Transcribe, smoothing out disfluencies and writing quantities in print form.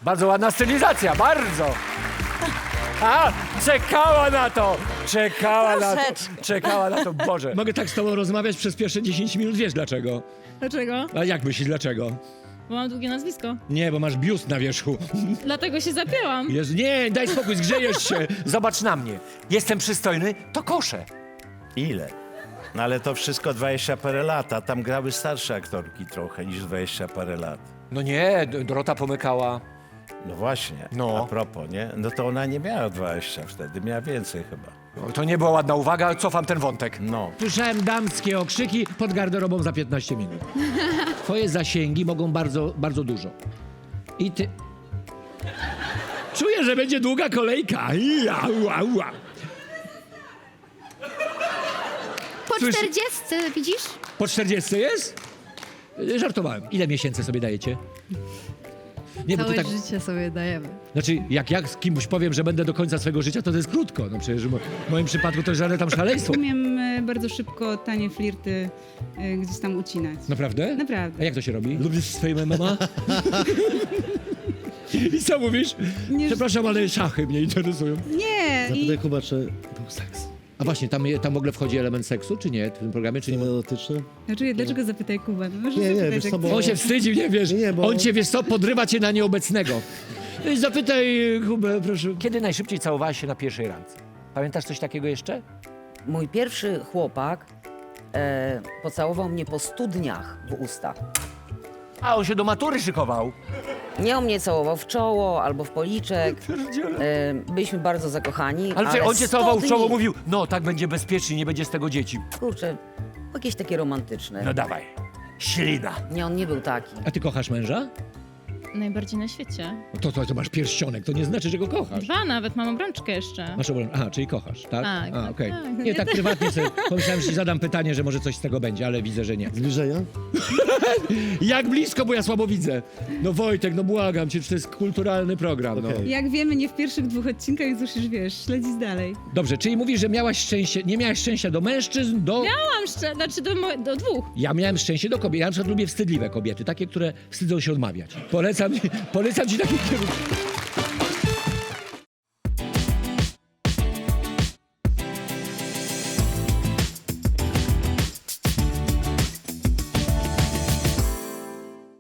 Bardzo ładna stylizacja, bardzo. A, czekała na to, czekała na to, Boże. Mogę tak z tobą rozmawiać przez pierwsze 10 minut, wiesz dlaczego? Dlaczego? A jak myślisz dlaczego? Bo mam długie nazwisko. Nie, bo masz biust na wierzchu. Dlatego się zapięłam. Jezu, nie, daj spokój, zgrzejesz się. Zobacz na mnie, jestem przystojny, to koszę. Ile? No ale to wszystko 20 parę lat, a tam grały starsze aktorki trochę niż 20 parę lat. No nie, Dorota Pomykała. No właśnie, No. a propos, nie? No to ona nie miała 20 wtedy, miała więcej chyba. No, to nie była ładna uwaga, ale cofam ten wątek. No. Słyszałem damskie okrzyki pod garderobą za 15 minut. Twoje zasięgi mogą bardzo, bardzo dużo. I ty... Czuję, że będzie długa kolejka. Ua. Po Słyszy- 40, widzisz? Po 40 jest? Żartowałem. Ile miesięcy sobie dajecie? Nie, bo ty Całe tak... życie sobie dajemy. Znaczy, jak ja z kimś powiem, że będę do końca swojego życia, to jest krótko. No przecież w moim przypadku to jest żadne tam szaleństwo. Umiem bardzo szybko tanie flirty gdzieś tam ucinać. Naprawdę? Naprawdę. A jak to się robi? Lubisz swoje mama? I co mówisz? Nie- Przepraszam, ale szachy mnie interesują. Nie! Zapytaj Kuba, czy był seks A właśnie, tam w ogóle wchodzi element seksu, czy nie? W tym programie, czy nie? erotyczny? Znaczy, dlaczego zapytaj Kuba? No, może Nie, zapytać, wiesz jak co, bo- On się wstydzi, nie wiesz? Nie, bo- On cię, wiesz co, podrywa cię na nieobecnego. Zapytaj Kubę, proszę. Kiedy najszybciej całowałaś się na pierwszej randce? Pamiętasz coś takiego jeszcze? Mój pierwszy chłopak pocałował mnie po 100 dniach w usta. A, on się do matury szykował. Nie on mnie całował w czoło albo w policzek. Byliśmy bardzo zakochani. Ale czekaj, on cię 100 całował w czoło, dni- mówił, no tak będzie bezpiecznie, nie będzie z tego dzieci. Kurczę, jakieś takie romantyczne. No dawaj, ślina. Nie, on nie był taki. A ty kochasz męża? Najbardziej na świecie. To masz pierścionek, to nie znaczy, że go kochasz. 2 nawet, mam obrączkę jeszcze. Masz obrączkę. Aha, czyli kochasz, tak? Tak, A, okej. tak. Nie, tak prywatnie sobie pomyślałem, że ci zadam pytanie, że może coś z tego będzie, ale widzę, że nie. Zbliżenia? Jak blisko, bo ja słabo widzę. No Wojtek, no błagam cię, czy to jest kulturalny program, no. Okej. Jak wiemy, nie w pierwszych 2 odcinkach już wiesz, śledzić dalej. Dobrze, czyli mówisz, że miałaś szczęście, nie miałaś szczęścia do mężczyzn, do... Znaczy do 2. Ja miałem szczęście do kobiet. Ja na przykład lubię wstydliwe kobiety, takie, które wstydzą się odmawiać. Polecam ci taki kierunek.